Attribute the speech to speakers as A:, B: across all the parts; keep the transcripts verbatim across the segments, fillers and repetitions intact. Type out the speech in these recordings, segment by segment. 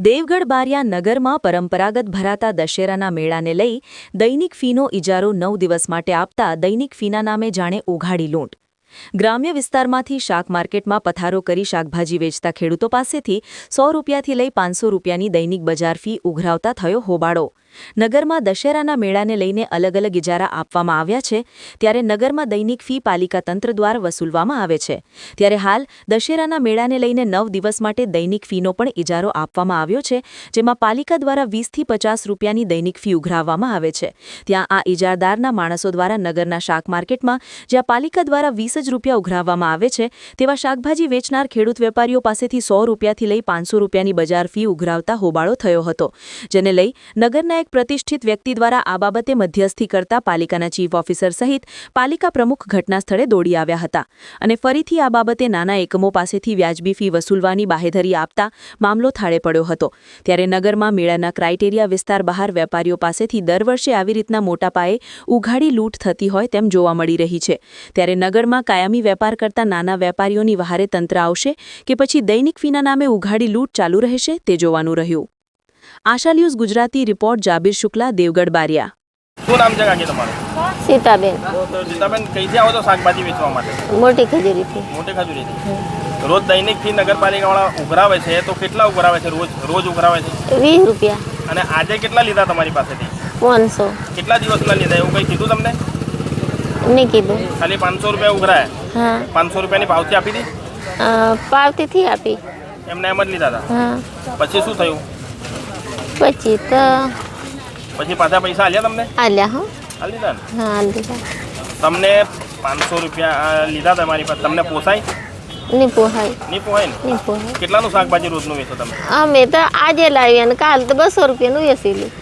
A: દેવગઢ બારિયા નગરમાં પરંપરાગત ભરાતા દશેરાના મેળાને લઈ દૈનિક ફીનો ઇજારો નવ દિવસ માટે આપતા દૈનિક ફીના નામે જાણે ઉઘાડી લૂંટ। ગ્રામ્ય વિસ્તારમાંથી શાક માર્કેટમાં પથારો કરી શાકભાજી વેચતા ખેડૂતો પાસેથી સો રૂપિયાથી લઈ પાંચસો રૂપિયાની દૈનિક બજાર ફી ઉઘરાવતા થયો હોબાળો। નગરમાં દશેરાના મેળાને લઈને અલગ અલગ ઇજારા આપવામાં આવ્યા છે, ત્યારે નગરમાં દૈનિક ફી પાલિકા તંત્ર દ્વારા વસૂલવામાં આવે છે। ત્યારે હાલ દશેરાના મેળાને લઈને નવ દિવસ માટે દૈનિક ફીનો પણ ઇજારો આપવામાં આવ્યો છે, જેમાં પાલિકા દ્વારા વીસથી પચાસ રૂપિયાની દૈનિક ફી ઉઘરાવવામાં આવે છે। ત્યાં આ ઇજારદારના માણસો દ્વારા નગરના શાક માર્કેટમાં જ્યાં પાલિકા દ્વારા વીસ જ રૂપિયા ઉઘરાવવામાં આવે છે, તેવા શાકભાજી વેચનાર ખેડૂત વેપારીઓ પાસેથી સો રૂપિયાથી લઈ પાંચસો રૂપિયાની બજાર ફી ઉઘરાવતા હોબાળો થયો હતો, જેને લઈ નગરના એક પ્રતિષ્ઠિત વ્યક્તિ દ્વારા આ બાબતે મધ્યસ્થી કરતા પાલિકાના ચીફ ઓફિસર સહિત પાલિકા પ્રમુખ ઘટના સ્થળે દોડી આવ્યા હતા અને ફરીથી આ બાબતે નાના એકમો પાસેથી વ્યાજબી ફી વસૂલવાની બાહેધરી આપતા મામલો થાળે પડ્યો હતો। ત્યારે નગરમાં મેળાના ક્રાઇટેરિયા વિસ્તાર બહાર વેપારીઓ પાસેથી દર વર્ષે આવી રીતના મોટા પાયે ઉઘાડી લૂંટ થતી હોય તેમ જોવા મળી રહી છે। ત્યારે નગરમાં કાયમી વેપાર કરતા નાના વેપારીઓની વહારે તંત્ર આવશે કે પછી દૈનિક ફીના નામે ઉઘાડી લૂંટ ચાલુ રહેશે તે જોવાનું રહ્યું। आशा न्यूज गुजराती रिपोर्ट जाबिर शुक्ला देवगढ़ बारिया।
B: શું નામ છે કાકી તમારું?
C: સીતાબેન।
B: તો સીતાબેન કઈથી આવો છો શાકભાજી વેચવા માટે?
C: મોટી ખજૂરીથી।
B: મોટી ખજૂરીથી। રોજ દૈનિક ફી નગરપાલિકાવાળા ઉઘરાવે છે, તો કેટલા ઉઘરાવે છે? રોજ રોજ ઉઘરાવે છે
C: વીસ રૂપિયા।
B: અને આજે કેટલા લીધા તમારી પાસેથી?
C: પાંચસો।
B: કેટલા દિવસના લીધા એવું કંઈ કીધું તમને?
C: નહીં કીધું।
B: ખાલી પાંચસો રૂપિયા ઉઘરાયા?
C: હા।
B: પાંચસો રૂપિયાની પાવતી આપી હતી?
C: પાવતીથી આપી।
B: એમને એમ જ લીધા હતા?
C: હા।
B: પછી શું થયું?
C: પછી તો
B: પછી પાછા પૈસા આલ્યા તમને?
C: આલ્યા હો।
B: આલી દીધા ને?
C: હા આલી દીધા।
B: તમને પાંચસો રૂપિયા લીધા તમારી પાસે, તમને પોસાય?
C: નહીં પોહાય।
B: નહીં પોહાય ને?
C: નહીં પોહાય।
B: કેટલાનું શાકભાજી રોજનું વેચો તમે?
C: અમે તો આજે લાવી અને કાલ તો બસો રૂપિયાનું વેચેલું।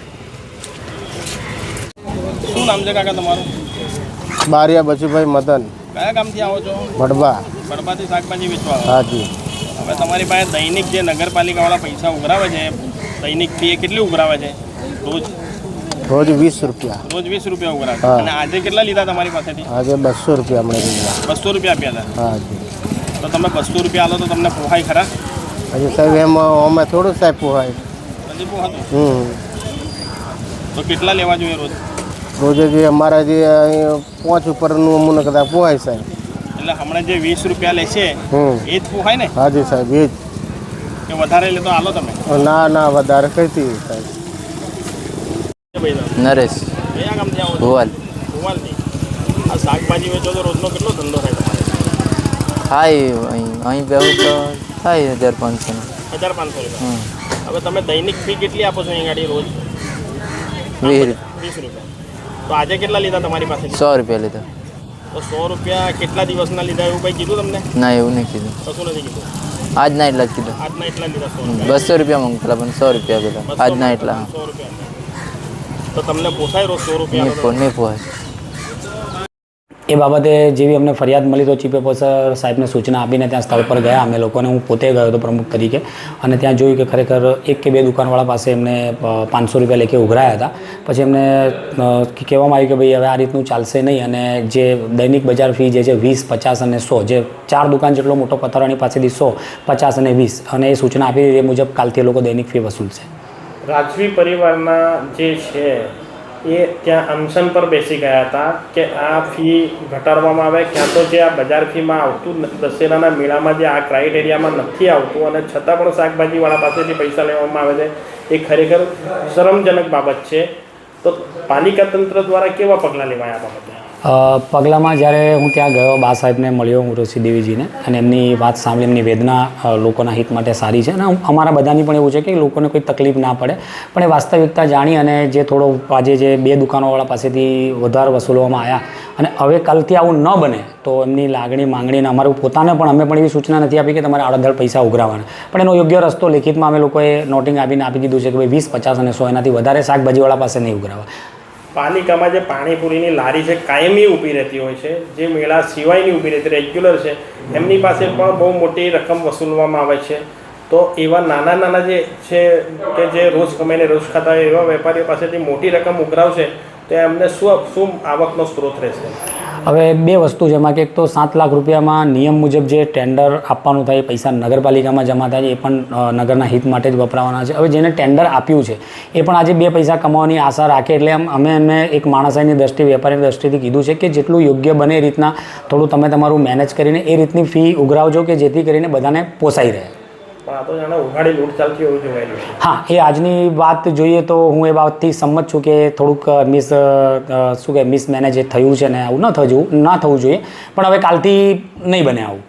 B: શું નામ છે કાકા તમારું?
D: બારિયા બચુભાઈ મદન।
B: કયા ગામથી આવો છો?
D: ભડબા।
B: ભડબાથી શાકભાજી વેચવા આવો?
D: હાજી।
B: હવે તમારી પાસે દૈનિક જે નગરપાલિકાવાળા પૈસા ઉઘરાવે છે, દૈનિક ફી કેટલી ઉઘરાવે છે? રોજ
D: રોજ વીસ રૂપિયા।
B: રોજ વીસ રૂપિયા ઉઘરાવે।
D: હા।
B: અને આજે કેટલા લીધા તમારી પાસેથી?
D: આજે બસો રૂપિયા હમણાં લીધા।
B: બસો રૂપિયા આપ્યા હતા?
D: હાજી।
B: તો તમે બસો રૂપિયા આલો તો તમને પોહાય ખરા?
D: હજી સાહેબ એમ અમે થોડું સાહેબ પોહાય।
B: નથી પોહાતું?
D: હમ
B: તો કેટલા લેવા જોઈએ રોજ?
D: રોજે જે અમારા જે અહીં પાંચ ઉપરનું અમને કદાચ પોહાય સાહેબ।
B: એટલે હમણાં જે વીસ રૂપિયા લે છે
D: હમ
B: એ જ પોહાય ને?
D: હાજી સાહેબ એ જ।
B: કે વધારે લે તો આલો તમે?
D: ના ના વધારે કઈથી સાહેબ।
E: નરેશ
B: કયા ગામથી આવો છો?
E: ભુવાલ
B: ભુવાલથી। આ શાકભાજી વેચો તો રોજનો કેટલો ધંધો થાય તમારે?
E: થાય અહીં અહીં બેહું તો થાય હજાર પાંચસોનો।
B: હજાર પાંચસો રૂપિયા।
E: હમ
B: હવે તમે દૈનિક ફી કેટલી આપો છો અહીં ગાડી રોજ?
E: વીસ
B: વીસ રૂપિયા। તો આજે કેટલા લીધા તમારી પાસે?
E: સો રૂપિયા લીધા।
B: તો સો રૂપિયા કેટલા દિવસના લીધા એવું કંઈ કીધું તમને?
E: ના એવું નહીં કીધું,
B: કશું નથી કીધું?
E: આજના એટલા જ કીધું।
B: આજના એટલા લીધા સો રૂપિયા?
E: બસો રૂપિયા મંગતા પણ સો રૂપિયા પેલા આજના એટલા।
B: સો રૂપિયા। તો તમને પોસાય રોજ સો
E: નહીં
B: રૂપિયા?
E: પો નહીં પોહાય।
F: એ બાબતે જેવી અમને ફરિયાદ મળી તો ચીફ ઓફિસર સાહેબને સૂચના આપીને ત્યાં સ્થળ પર ગયા અમે લોકોને। હું પોતે ગયો હતો પ્રમુખ તરીકે અને ત્યાં જોયું કે ખરેખર એક કે બે દુકાનવાળા પાસે એમને પાંચસો રૂપિયા લેખે ઉઘરાયા હતા। પછી એમને કહેવામાં આવ્યું કે ભાઈ હવે આ રીતનું ચાલશે નહીં અને જે દૈનિક બજાર ફી જે છે વીસ પચાસ અને સો, જે ચાર દુકાન જેટલો મોટો પથારાની પાસેથી સો પચાસ અને વીસ, અને એ સૂચના આપી એ મુજબ કાલથી એ લોકો દૈનિક ફી વસૂલશે।
B: રાજવી પરિવારના જે છે એ ત્યાં અનશન પર બેસી ગયા હતા કે આ ફી ઘટાડવામાં આવે, ક્યાં તો જે આ બજાર ફીમાં આવતું દશેરાના મેળામાં જે આ ક્રાઇટેરિયામાં નથી આવતું અને છતાં પણ શાકભાજીવાળા પાસેથી પૈસા લેવામાં આવે છે, એ ખરેખર શરમજનક બાબત છે। તો પાલિકા તંત્ર દ્વારા કેવા પગલાં લેવાયા આ બાબતે?
F: પગલામાં જ્યારે હું ત્યાં ગયો, બા સાહેબને મળ્યો હું ઋષિ દેવીજીને, અને એમની વાત સાંભળી, એમની વેદના લોકોના હિત માટે સારી છે અને અમારા બધાની પણ એવું છે કે લોકોને કોઈ તકલીફ ના પડે, પણ એ વાસ્તવિકતા જાણી અને જે થોડો આજે જે બે દુકાનોવાળા પાસેથી વધારે વસૂલવામાં આવ્યા અને હવે કાલથી આવું ન બને તો એમની લાગણી માંગણીને અમારું પોતાને પણ અમે પણ એવી સૂચના નથી આપી કે તમારે આડેધડ પૈસા ઉઘરાવવાના, પણ એનો યોગ્ય રસ્તો લેખિતમાં અમે લોકોએ નોટિંગ આપીને આપી દીધું છે કે ભાઈ વીસ પચાસ અને સો એનાથી વધારે શાકભાજીવાળા પાસે નહીં ઉઘરાવવા।
B: પાલિકામાં જે પાણીપુરીની લારી છે કાયમી ઊભી રહેતી હોય છે, જે મેળા સિવાયની ઊભી રહેતી રેગ્યુલર છે, એમની પાસે પણ બહુ મોટી રકમ વસૂલવામાં આવે છે। તો એવા નાના નાના જે છે કે જે રોજ કમાઈને રોજ ખાતા હોય એવા વેપારીઓ પાસેથી મોટી રકમ ઉઘરાવશે તો એમને શું શું આવકનો સ્ત્રોત રહેશે?
F: હવે બે વસ્તુ છે એમાં કે એક તો સાત લાખ રૂપિયામાં નિયમ મુજબ જે ટેન્ડર આપવાનું થાય એ પૈસા નગરપાલિકામાં જમા થાય છે, એ પણ અ, નગરના હિત માટે જ વપરાવાના છે. હવે જેને ટેન્ડર આપ્યું છે એ પણ આજે બે પૈસા કમાવાની આશા રાખે, એટલે આમ અમે એમને એક માણસાઈની દ્રષ્ટિ, વેપારીની દ્રષ્ટિથી કીધું છે કે જેટલું યોગ્ય બને એ રીતના થોડું તમે તમારું મેનેજ કરીને એ રીતની ફી ઉઘરાવજો કે જેથી કરીને બધાને પોસાઈ રહે.
B: પણ આ તો જાણે ઉઘાડી લૂંટ ચાલતી એવું જોવાયેલું છે.
F: હા, એ આજની વાત જોઈએ તો હું એ બાબતથી સંમત છું કે થોડુંક મિસ શું કે મિસમેનેજ થયું છે ને આવું ન થવું ન થવું જોઈએ, પણ હવે કાલથી નહીં બને આવું.